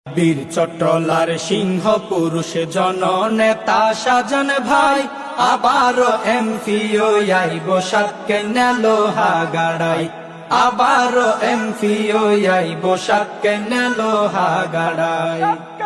বীর চট্টলার সিংহ পুরুষ জননেতা সাজন ভাই, আবারও এমপিও আইব সাতকে নেলো হাগাড়াই, আবারও এমপিও আইব সাতকে নেলো হাগাড়াই।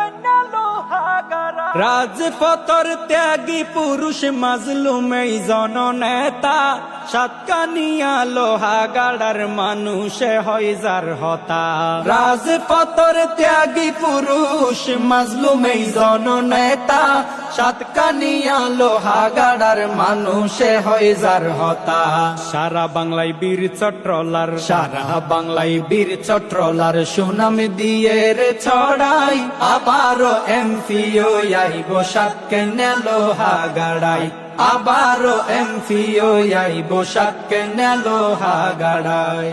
রাজপথর ত্যাগী পুরুষ মাজলুম এই জননেতা, সাতকানিয়া লোহাগাড়ার মানুষে হয় যার হতা। রাজপথর ত্যাগী পুরুষ মাজলুম এই জননেতা, সাতকানিয়া লোহাগাড়ার মানুষে হয় যার হতা। সারা বাংলায় বীর চট্টলার, সারা বাংলায় বীর চট্টলার সুনাম দিয়ে রে ছড়াই, আবারও এমপিও আইব সাতকে নেলো হাগাড়াই, আবারও এমপিও আইব সাতকে নেলো হাগাড়াই।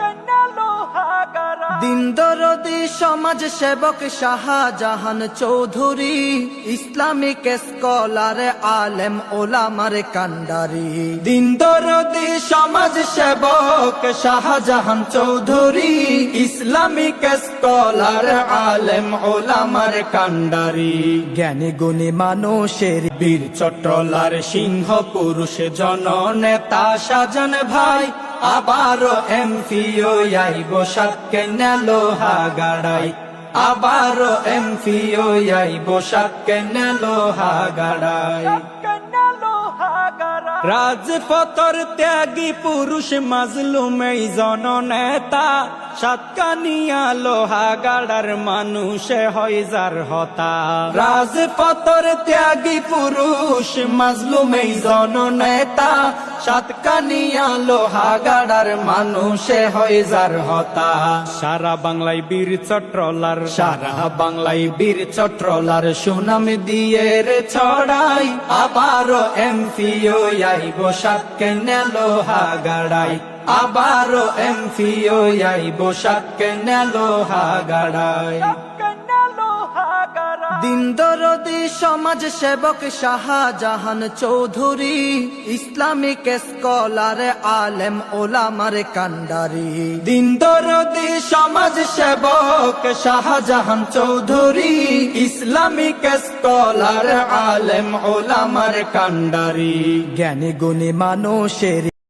দিন দরদি সমাজ সেবক শাহজাহান চৌধুরী, ইসলামিক স্কলার আলেম ওলামার কান্ডারি। দিন দরদি সমাজ সেবক শাহজাহান চৌধুরী, ইসলামিক স্কলার আলেম ওলামার কান্ডারি। জ্ঞানী গুণী মানুষের বীর চট্টলার সিংহ পুরুষ জননেতা সাজন ভাই, আবারও এমপিও আইব সাতকে নেলো হাগাড়াই, আবারও এমপিও আইব সাতকে নেলো হাগাড়াই। রাজপথর ত্যাগী পুরুষ মাজলুম এই জননেতা, সাতকানিয়া লোহাগাড়ার মানুষে হয় যার হতা। রাজপথর ত্যাগী পুরুষ মাজলুম এই জননেতা, সাতকানিয়া লোহাগাড়ার মানুষে হয় যার হতা। সারা বাংলায় বীর চট্টলার, সারা বাংলায় বীর চট্টলার সুনাম দিয়ে রে ছড়াই, আবারও এমপিও আইব সাতকে নেলো হাগাড়াই, আবারও এমপিও আইব সাতকে নেলো হাগাড়াই। দিন দরদি সমাজ সেবক শাহজাহান চৌধুরী, ইসলামিক স্কলার আলেম ওলামার কান্ডারি। দিন দরদি সমাজ সেবক শাহজাহান চৌধুরী, ইসলামিক স্কলার আলেম ওলামার কান্ডারি। জ্ঞানী গুণী মানুষের